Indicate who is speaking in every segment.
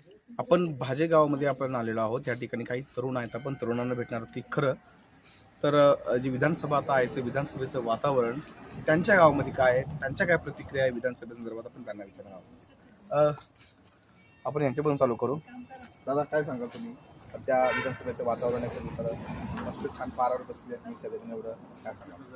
Speaker 1: आपण भाजे गावामध्ये आपण आलेलो आहोत. या ठिकाणी काही तरुण आहेत. आपण तरुणांना भेटणार आहोत की खरं तर जी विधानसभा आता आहे, विधानसभेचं वातावरण त्यांच्या गावामध्ये काय आहे, त्यांच्या काय प्रतिक्रिया आहे विधानसभेसंदर्भात आपण त्यांना विचारणार आहोत. आपण यांच्यापासून चालू करू. दादा, काय सांगाल तुम्ही सध्या विधानसभेचं वातावरण आहे? सगळीकडं मस्त छान पारावर बसले आहेत सगळेजण, एवढं काय सांगाल?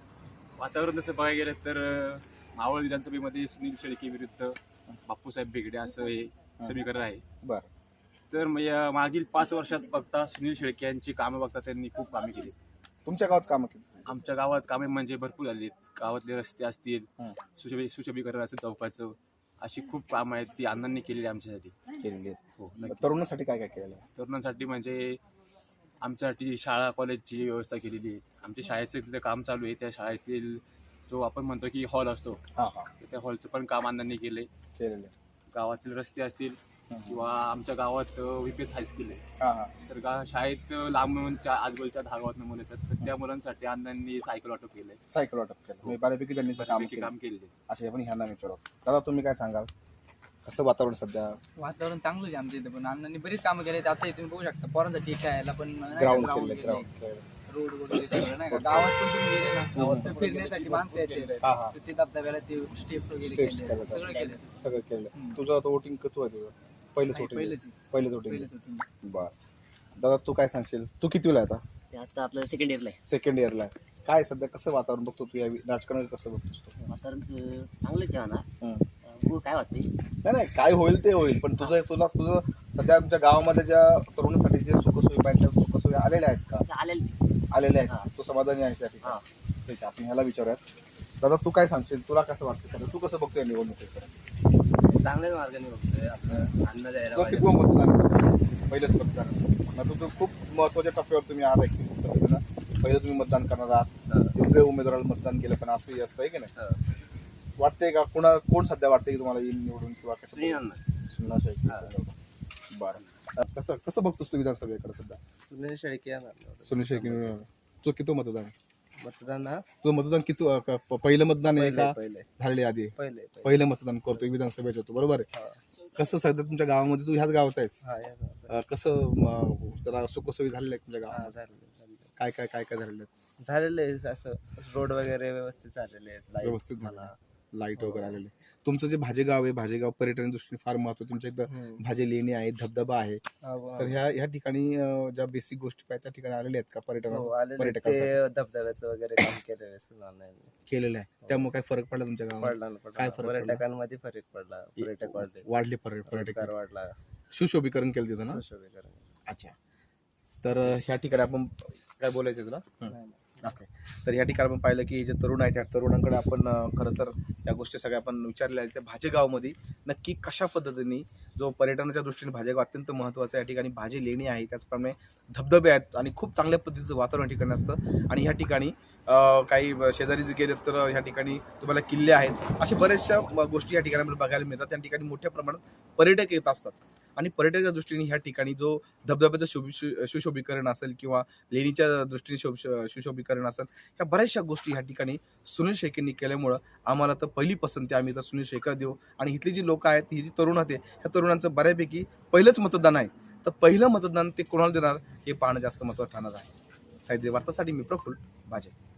Speaker 2: वातावरण तसं बघायला गेलं तर मावळ विधानसभेमध्ये सुनील शेळके विरुद्ध बापूसाहेब बेगडे असं हे समीकरण आहे.
Speaker 1: बरं.
Speaker 2: तर मागील 5 वर्षात बघता सुनील शेळके यांची कामं बघता त्यांनी खूप कामे केली.
Speaker 1: तुमच्या गावात कामं केली?
Speaker 2: आमच्या गावात कामे म्हणजे भरपूर झाली. गावातले रस्ते असतील, सुशोभीकरण असेल चौकाचं, अशी खूप कामं आहेत ती अण्णांनी केलेली आमच्यासाठी.
Speaker 1: केलेली आहेत.
Speaker 2: हो, नक्की.
Speaker 1: तरुणांसाठी काय काय केलेलं आहे?
Speaker 2: तरुणांसाठी म्हणजे आमच्यासाठी शाळा कॉलेजची व्यवस्था केलेली आहे. आमच्या शाळेचं तिथं काम चालू आहे. त्या शाळेतील जो आपण म्हणतो की हॉल असतो,
Speaker 1: हां हां,
Speaker 2: त्या हॉलचं पण काम अण्णांनी केले.
Speaker 1: केलेलं आहे.
Speaker 2: गावातील रस्ते असतील किंवा आमच्या गावात VPS हायस्कूल आहे.
Speaker 1: हां हां,
Speaker 2: तर शाळेत लांबच्या आजूबाजूच्या 10 गावातून मुलं येतात. तर त्या मुलांसाठी अण्णांनी सायकल वाटप केलंय.
Speaker 1: सायकल वाटप केलं. म्हणजे बऱ्यापैकी त्यांनी काम
Speaker 2: बऱ्यापैकी
Speaker 1: केलं.
Speaker 2: काम केलेले.
Speaker 1: अच्छा, आपण ह्यांना विचारू. दादा, तुम्ही काय सांगाल? कसं वातावरण सध्या?
Speaker 3: वातावरण चांगलं आहे आमच्या इथे, पण अण्णांनी बरीच कामं केले. आता इथून बघू शकता पोरांसाठी खेळायला पण
Speaker 1: ग्राउंड
Speaker 3: ग्राउंड
Speaker 1: केलं, ग्राउंड.
Speaker 3: रोड वगैरे सगळं नाही का. गावात पण तुम्ही गेले ना, गावात तर फिरण्यासाठी माणसं येते.
Speaker 1: हां हां,
Speaker 3: तर ते धबधब्याला ते स्टेप्स वगैरे
Speaker 1: Steps
Speaker 3: केले,
Speaker 1: केले.
Speaker 3: सगळं केलं.
Speaker 1: सगळं केलं. तुझं आता वोटिंग कसं आहे तुझं? पहिलंच वोटिंग? पहिलंच वोटिंग. बरं. दादा, तू काय सांगशील? तू कितवीला आहे आता?
Speaker 4: ते आता आपलं सेकंड इयरला आहे.
Speaker 1: सेकंड इयरला आहे. काय सध्या कसं वातावरण बघतो तू? या राजकारणात कसं बघतोस तू?
Speaker 4: वातावरण चांगलंच आहे म्हणा.
Speaker 1: हं.
Speaker 4: हो, काय वाटते
Speaker 1: नाही, काय होईल ते होईल, पण तुझं सध्या तुमच्या गावामध्ये ज्या तरुणांसाठी जे सुखसोयी पाहिजे त्या सुखसोयी आलेल्या आहेत का? आलेल्या आहेत. तू समाधानी आहेस या ठिकाणी? ठीक आहे, आपण ह्याला विचारूयात. दादा, तू काय सांगशील? तुला कसं वाटतं? तू कसं बघतोय निवडणुकीकडे?
Speaker 3: चांगल्याच मार्गाने बघतोय आपलं अन्न द्यायला
Speaker 1: तुला किती मतदान? पहिलेच मतदान. आता तुझं खूप महत्वाच्या टप्प्यावर तुम्ही आहात ऍक्च्युली सगळेजण. पहिलं तुम्ही मतदान करणार आहात. योग्य उमेदवाराला मतदान केलं, पण असंही असतं आहे की नाही? वाटतंय का कोण सध्या वाटतंय की तुम्हाला येईल निवडून किंवा कसं? सुनील शेळके. बरं. कसं बघतोस तू विधानसभेकडे सध्या?
Speaker 3: सुनील शेळके
Speaker 1: सुनील शेळके. तुझं किती मतदान?
Speaker 3: मतदान
Speaker 1: तुझं मतदान किती? पहिलं मतदान आहे का
Speaker 3: पहिले
Speaker 1: झालेले आधी?
Speaker 3: पहिले
Speaker 1: पहिलं मतदान करतोय विधानसभेचं तू, बरोबर आहे? कसं सध्या तुमच्या गावामध्ये, तू ह्याच गावाचा आहेस, कसं जरा सुखसोयी झालेल्या आहेत तुमच्या गावात? काय काय काय काय झालेलं आहे?
Speaker 3: झालेलं आहे असं रोड वगैरे व्यवस्थित झालेले आहेत.
Speaker 1: व्यवस्थित झालं, लाईट वगैरे आलेले. तुमचं जे भाजेगाव आहे, भाजेगाव पर्यटन दृष्टीने फार महत्व. तुमच्या इथं भाजे लेणी आहे, धबधबा आहे. तर ह्या ठिकाणी ज्या बेसिक गोष्टी पाहिजे त्या ठिकाणी आलेल्या आहेत का पर्यटकांसाठी?
Speaker 3: धबधब्याचं वगैरे काम
Speaker 1: केलेलं आहे. त्यामुळे काय फरक पडला तुमच्या गावात? काय फरक पडला?
Speaker 3: पर्यटकांमध्ये फरक पडला. पर्यटक
Speaker 1: वाढले पर्यटक,
Speaker 3: वाढला,
Speaker 1: सुशोभीकरण केलं तिथं ना?
Speaker 3: सुशोभीकरण.
Speaker 1: अच्छा. तर ह्या ठिकाणी आपण काय बोलायचं तुला? ओके. तर या ठिकाणी आपण पाहिलं की जे तरुण आहेत त्या तरुणांकडे आपण खरं तर या गोष्टी सगळ्या आपण विचारलेल्या आहेत. त्या भाजेगावमध्ये नक्की कशा पद्धतीने जो पर्यटनाच्या दृष्टीने भाजेगाव अत्यंत महत्त्वाचं आहे. या ठिकाणी भाजी लेणी आहे, त्याचप्रमाणे धबधबे आहेत आणि खूप चांगल्या पद्धतीचं वातावरण ठिकाणी असतं. आणि ह्या ठिकाणी काही शेजारी जे गेले तर ह्या ठिकाणी तुम्हाला किल्ले आहेत. अशा बऱ्याचशा गोष्टी या ठिकाणी बघायला मिळतात. त्या ठिकाणी मोठ्या प्रमाणात पर्यटक येत असतात. आणि पर्यटकाच्या दृष्टीने ह्या ठिकाणी जो धबधब्याचं सुशोभीकरण असेल किंवा लेणीच्या दृष्टीने सुशोभीकरण असेल, ह्या बऱ्याचशा गोष्टी ह्या ठिकाणी सुनील शेळकेंनी केल्यामुळं आम्हाला तर पहिली पसंती आम्ही तर सुनील शेळकेला देऊ. आणि इथली जी लोक आहेत, ही जी तरुण आहेत, ह्या तरुणांचं बऱ्यापैकी पहिलंच मतदान आहे. तर पहिलं मतदान ते कोणाला देणार हे पाहणं जास्त महत्त्वाचं ठरणार आहे. साहित्य वार्तासाठी मी प्रफुल्ल भाजे.